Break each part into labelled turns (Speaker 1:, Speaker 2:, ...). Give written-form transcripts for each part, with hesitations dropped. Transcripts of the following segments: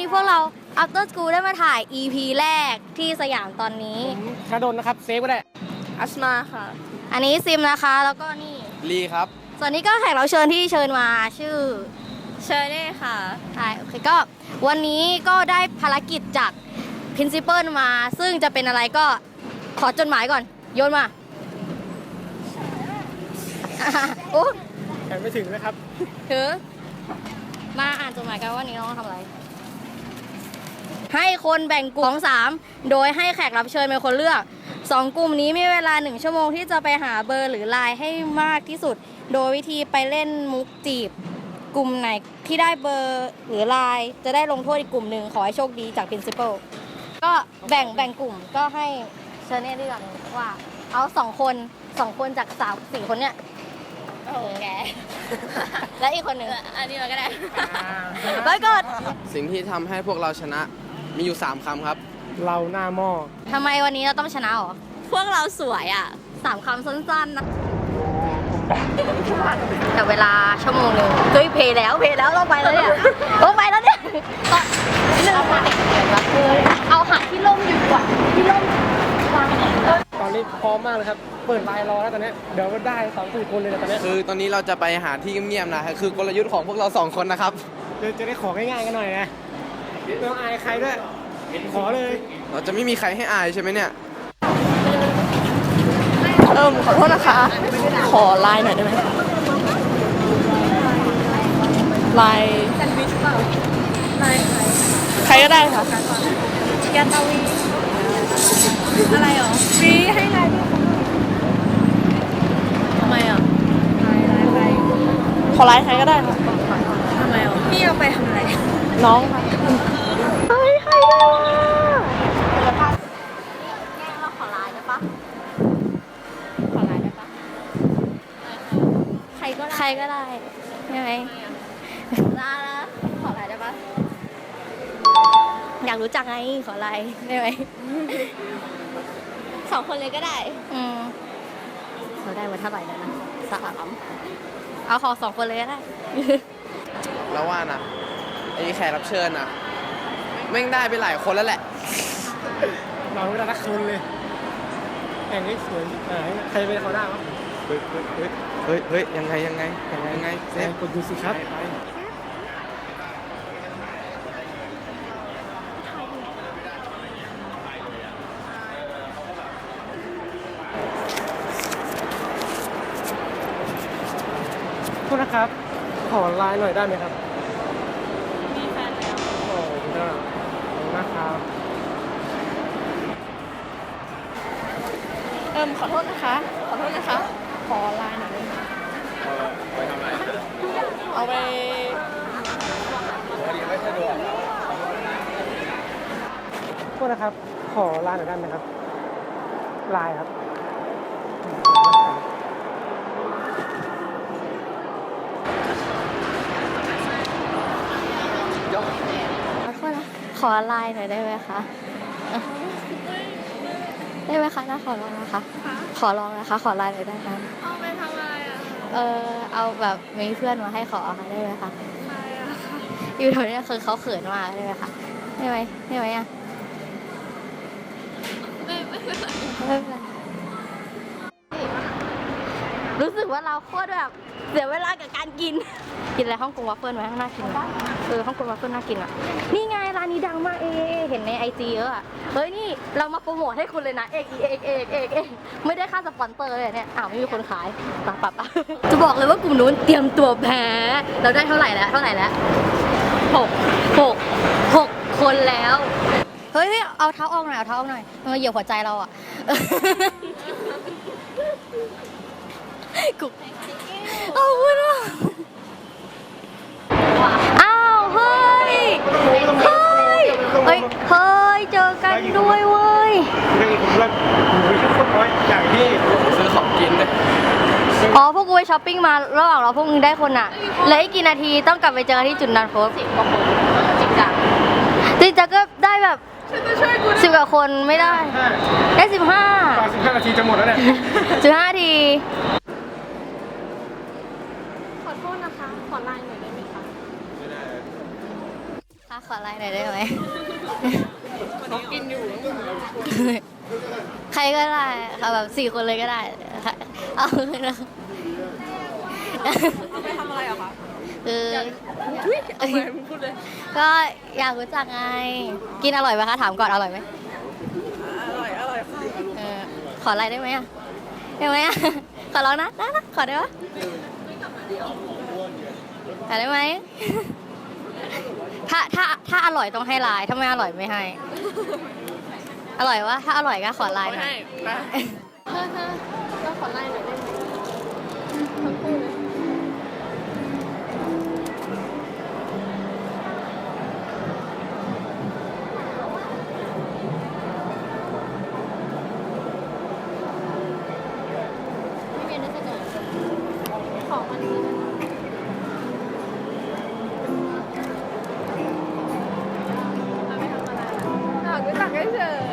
Speaker 1: พวกเรา After School ได้มาถ่าย EP แรกที่สยามตอนนี้
Speaker 2: ธนดลนะครับเซฟก็ได้
Speaker 3: อัสมาค่ะ
Speaker 1: อันนี้ซิมนะคะแล้วก็นี่
Speaker 2: ลีครับ
Speaker 1: ส่วนนี้ก็แขกรับเชิญที่เชิญมาชื่อ
Speaker 3: เชอร์เน่ค่ะ
Speaker 1: ใช่โอเคก็วันนี้ก็ได้ภารกิจจาก Principal มาซึ่งจะเป็นอะไรก็ขอจดหมายก่อนโยนมาโอ้
Speaker 2: แข่งไม่ถึงนะครับ
Speaker 1: ถือมาอ่านจดหมายกันว่านี้น้องทำอะไรให้คนแบ่งกลุ่มของ3โดยให้แขกรับเชิญเป็นคนเลือก2กลุ่มนี้มีเวลา1ชั่วโมงที่จะไปหาเบอร์หรือไลน์ให้มากที่สุดโดยวิธีไปเล่นมุกจีบกลุ่มไหนที่ได้เบอร์หรือไลน์จะได้ลงโทษอีกกลุ่มหนึ่งขอให้โชคดีจาก Principal ก็แบ่งกลุ่มก็ให้เชอร์เน่เลือกว่าเอา2คนจาก4คนเนี้ย
Speaker 3: โอ้แก
Speaker 1: และอีกคนหนึ่ง
Speaker 3: อันนี้เราก็ได้
Speaker 1: ไปกด
Speaker 2: สิ่งที่ทำให้พวกเราชนะมีอยู่3คำครับเราหน้าหม้อ
Speaker 1: ทำไมวันนี้เราต้องชนะหรอ
Speaker 3: พวกเราสวยอ่ะ
Speaker 1: 3คำสั้นๆนะแต่เวลาชั่วโมงนึงเฮ้ยเพลแล้วต้องไปแล้วเนี่ยต้องไปแล้วเนี่ยเอาหาที่ร่มอยู่ก่อนที่ร่ม
Speaker 2: ตอนนี้พร้อมมากเลยครับเปิดไลน์รอแล้วตอนนี้เดี๋ยวก็ได้2-4 คนเลยตอนนี้คือตอนนี้เราจะไปหาที่เงียบๆนะคือกลยุทธ์ของพวกเรา2คนนะครับจะได้ของง่ายๆกันหน่อยนะไม่ต้องอายใครด้วยขอเลยเราจะไม่มีใครให้อายใช่ไหมเนี่ย
Speaker 3: ขอโทษนะคะขอไลน์หน่อยได้ไหมไลน์แซนด์วิชเปล่าไลน์ใครก็ได้ค่ะยาตาวีอะไรหรอฟรีให้ไลน์ด้วยทำไมอ่ะไลน์ขอไลน์ใครก็ได้ค่ะทำไมอ่ะพี่เอาไปทำอะไรน้องค่ะ
Speaker 1: เฮ้ยใครได้วะเราขอไลน์ได้ปะขอไลน์ได้ปะใครก็ได้ใช่ไหมได้แล้วขอไลน์ได้ปะอยากรู้จักไงขอไลน์ได้ไหม
Speaker 3: 2 คนเลยก็ได้
Speaker 1: เราได้มาเท่าไหร่แล้วนะ3เอาขอ2 คนเลยก็ได้
Speaker 2: แล้วว่านะไอ้แขกรับเชิญนะแม่งได้ไปหลายคนแล้วแหละเราไม่ได้ทักคนเลยแข่งให้สวยใครเป็นเขาได้วะเฮ้ยยังไงเซฟกดดูสิครับโทษนะครับขอไลน์หน่อยได้ไหมครับ
Speaker 3: มีแฟนแล้ว
Speaker 2: โอ้ได้ขอบคุณนะครับ
Speaker 3: ขอโทษนะคะขอไลน์หน่อยได้ไหม
Speaker 2: ไปทำอะไร
Speaker 3: เอาไป
Speaker 2: ไม่สะดวกโทษนะครับขอไลน์หน่อยได้ไหมครับไลน์ครับ
Speaker 1: ขอไลน์หน่อยได้ไหมคะได้ไหมคะน่าขอลองนะคะขอลองนะคะขอไลน์หน่อยได้ไหม
Speaker 3: เอาไปทำอะไรอ่ะ
Speaker 1: เอาแบบมีเพื่อนมาให้ขอค่ะได้ไหมคะ
Speaker 3: ไม่อะค่ะ
Speaker 1: อยู่แถวนี้คือเขาเขินมากได้ไหมคะได้ไหมอ่ะ
Speaker 3: ไม่เป็นไร
Speaker 1: รู้สึกว่าเราโคตรแบบเสียเวลากับการกินอะไรฮ่องกงวัฟเฟิลไหมน่ากินฮ่องกงวัฟเฟิลน่ากินอ่ะนี่ไงร้านนี้ดังมากเห็นในIGเยอะอ่ะเฮ้ยนี่เรามาโปรโมทให้คุณเลยนะเอกไม่ได้ค่าสปอนเซอร์เลยเนี่ยไม่มีคนขายปะจะบอกเลยว่ากลุ่มนู้นเตรียมตัวแพ้เราได้เท่าไหร่แล้ว6 คนแล้วเฮ้ยเอาเท้าออกหน่อยมันมาเหยียบหัวใจเราอ่ะกุ๊กเอาคุณอ่ะอ้าวเฮ้ยเจอกันด้วยเว้ย
Speaker 2: ซื้อของกินเลย
Speaker 1: อ๋อพวกกูไปช้อปปิ้งมาระหว่างเราพวกมึงได้คนอ่ะเหลืออีกกี่นาทีต้องกลับไปเจอที่จุดนัดพบ10 กว่าคนจริงจังก็ได้แบบ10 กว่าคนไม่ได้15
Speaker 2: นาทีจะหมดแล้วเนี่ย
Speaker 1: 15 นาที
Speaker 3: ขอโทษนะคะขอไลน์หน่อยได้ไหมคะไม่ได้
Speaker 1: ค่ะขอไลน์หน่อยได้ไหม
Speaker 3: กินอยู่
Speaker 1: ใครก็ได้ค่ะแบบ4 คนเลยก็ได้ เอาเลยนะ
Speaker 3: เอาไปทำอะไรเหรอคะ
Speaker 1: คือ
Speaker 3: เอาไปมึงพูดเลย
Speaker 1: ก็อยากรู้จักไง กินอร่อยไหมคะ ถามก่อนอร่อยไหม
Speaker 3: อร่อยค่ะ
Speaker 1: ขอไลน์ได้ไหมอ่ะได้ไหมอ่ะ ขอร้องนะได้นะขอได้ปะขอได้ไหม ถ้าอร่อยต้องให้ไลน์ถ้าไม่อร่อยไม่ให้ อร่อยวะถ้าอร่อยก็ขอไลน์หน่อย
Speaker 3: ไปเราขอไลน์หน่อยได้ไหมทั้งคู่เลย
Speaker 1: ไม่มีนึกจะก่อน
Speaker 3: ของมันนี้เอาไปทำอะไรอ่ะรู้จักเฉย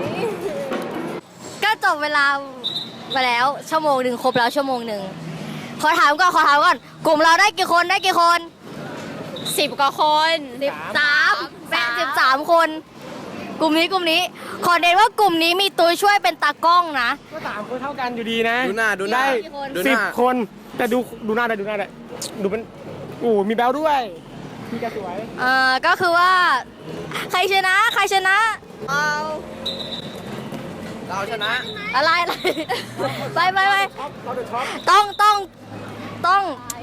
Speaker 1: ก็จบเวลาไปแล้วชั่วโมงหนึ่งครบแล้วชั่วโมงหนึ่งขอถามก่อนกลุ่มเราได้กี่คน
Speaker 3: 10 กว่าคน
Speaker 1: 13เป็น13 คน กลุ่มนี้ขอเน้นว่ากลุ่มนี้มีตัวช่วยเป็นตากล้องนะ
Speaker 2: ก็3 คนเท่ากันอยู่ดีนะ
Speaker 4: ดูหน้า
Speaker 2: ได้
Speaker 1: กี่คน
Speaker 4: ดูหน้า
Speaker 2: 10 คน แต่ดูหน้าได้ดูเป็นมีแบลด้วยมีกระสวย
Speaker 1: ก็คือว่า ใครชนะเอา
Speaker 4: เราชนะ
Speaker 1: อะไรไป
Speaker 2: เราเดือดช็อป
Speaker 1: ต้อง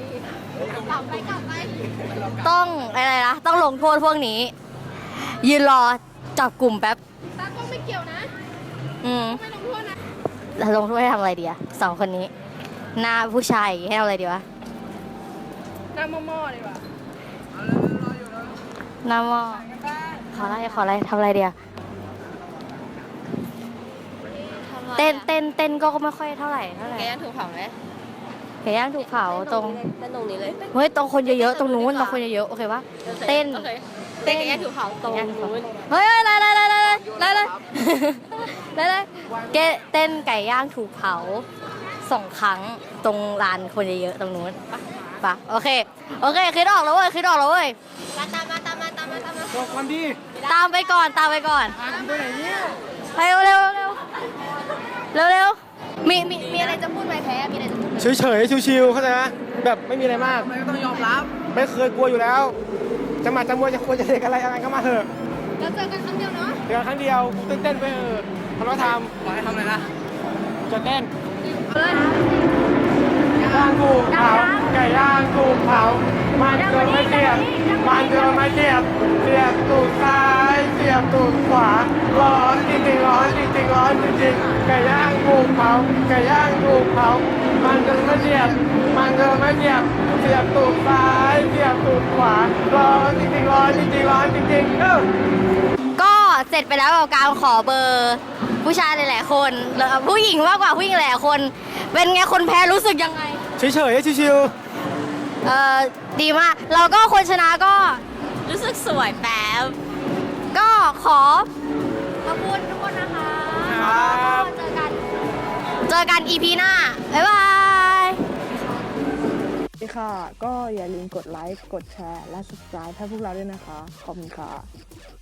Speaker 1: อะไรนะต้องลงโทษพวกนี้ ยืนรอจับกลุ่มแป๊บ
Speaker 3: ตากล้องไม่เกี่ยวนะ ไม่ลงโทษนะ
Speaker 1: แล้วลงโทษให้ทำอะไรดีอะ2 คนนี้ หน้าผู้ชายให้ทำอะไรดีวะ
Speaker 3: หน้าหม้อๆดีกว่า
Speaker 1: หน้าหม้อขออะไรทำอะไรดีอะเต้นก็ไม่ค่อยเท่าไหร่
Speaker 3: แกยังถูกเผาไหม
Speaker 1: ไก่ย่างถูกเผาตรง
Speaker 3: เต้นตรงนี้เลย
Speaker 1: เฮ้ยตรงคนเยอะๆตรงนู้นตรงคนเยอะๆโอเคปะเต้น
Speaker 3: โอเคเต้นแกยังถูกเผาตรงนู้น
Speaker 1: เฮ้ยอะไรเกเต้นไก่ย่างถูกเผา2 ครั้งตรงลานคนเยอะๆตรงนู้นปะโอเคคิดออกแล้วเว้ยตามมา
Speaker 2: บอกความดี
Speaker 1: ตามไปก่อน
Speaker 2: ไปไหนเนี่ย
Speaker 1: ไปเร็วมีอะไรจะพูดไหมแพ้มีอะไรจะพูดไหม
Speaker 2: เฉยๆชิวๆเข้าใจไหมแบบไม่มีอะไรมาก
Speaker 4: ไม่ต้องยอมรับ
Speaker 2: ไม่เคยกลัวอยู่แล้ว จะมาจะมวยจะควรจะเด็กอะไรก็มาเถอะ
Speaker 3: เราเจอกันครั้งเดียวเนาะ
Speaker 2: เดี๋ยวครั้งเดียวเต้นๆไปเถอะทำแล้วท
Speaker 4: บอกให้ทำอะไรนะ
Speaker 2: ำจะเต้นย่างถูกเผาไก่ย่างถูกเผามันเจอไม่เจียบเสียบตูดซ้ายเสียบตูดขวาร้อนจริงๆร้อนจริงไก่ย่างถูกเผามันเจอไม่เจียบเสียบตูดซ้ายเสียบตูดขวาร้อนจริง
Speaker 1: ก็เสร็จไปแล้วกับการขอเบอร์ผู้ชายหลายๆคนแล้วผู้หญิงมากกว่าผู้หญิงหลายๆคน เป็นไงคนแพ้รู้สึกยังไง
Speaker 2: เฉยๆชิว
Speaker 1: ดีมากเราก็คนชนะก็
Speaker 3: รู้สึกสวยแป๊บ
Speaker 1: ก็ขอบคุณทุกคนนะคะ
Speaker 2: ครับ
Speaker 1: เจอกัน EP หน้า บ๊ายบาย
Speaker 5: สวัสดีค่ะ ก็อย่าลืมกดไลค์ กดแชร์ และ subscribe ให้พวกเราด้วยนะคะ ขอบคุณค่ะ